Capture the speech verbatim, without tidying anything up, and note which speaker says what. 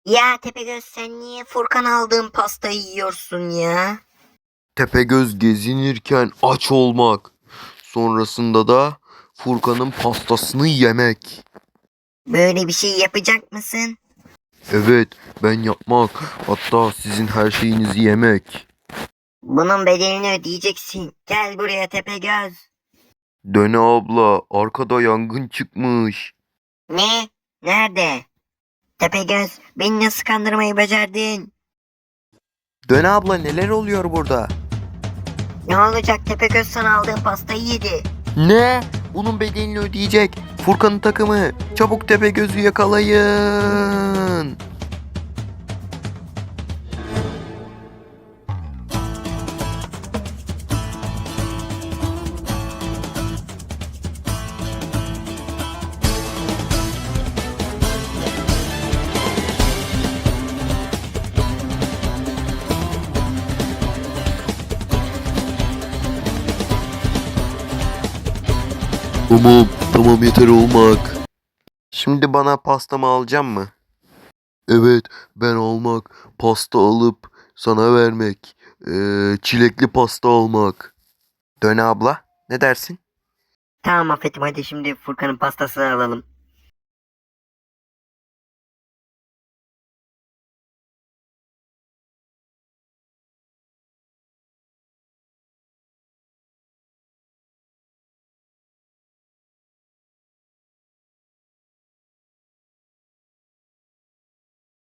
Speaker 1: Ya Tepegöz, sen niye Furkan aldığın pastayı yiyorsun ya?
Speaker 2: Tepegöz gezinirken aç olmak. Sonrasında da Furkan'ın pastasını yemek.
Speaker 1: Böyle bir şey yapacak mısın?
Speaker 2: Evet, ben yapmak. Hatta sizin her şeyinizi yemek.
Speaker 1: Bunun bedelini ödeyeceksin. Gel buraya Tepegöz.
Speaker 2: Döne abla, arkada yangın çıkmış.
Speaker 1: Ne? Nerede? Tepegöz, beni nasıl kandırmayı becerdin?
Speaker 2: Döne abla, neler oluyor burada?
Speaker 1: Ne olacak, Tepegöz sana aldığın pastayı yedi.
Speaker 2: Ne? Bunun bedelini ödeyecek. Furkan'ın takımı. Çabuk Tepegöz'ü yakalayın. Tamam, tamam yeter olmak. Şimdi bana pastamı alacağım mı? Evet, ben almak, pasta alıp sana vermek, ee, çilekli pasta almak. Döne abla, ne dersin?
Speaker 1: Tamam Affet'im, hadi şimdi Furkan'ın pastasını alalım.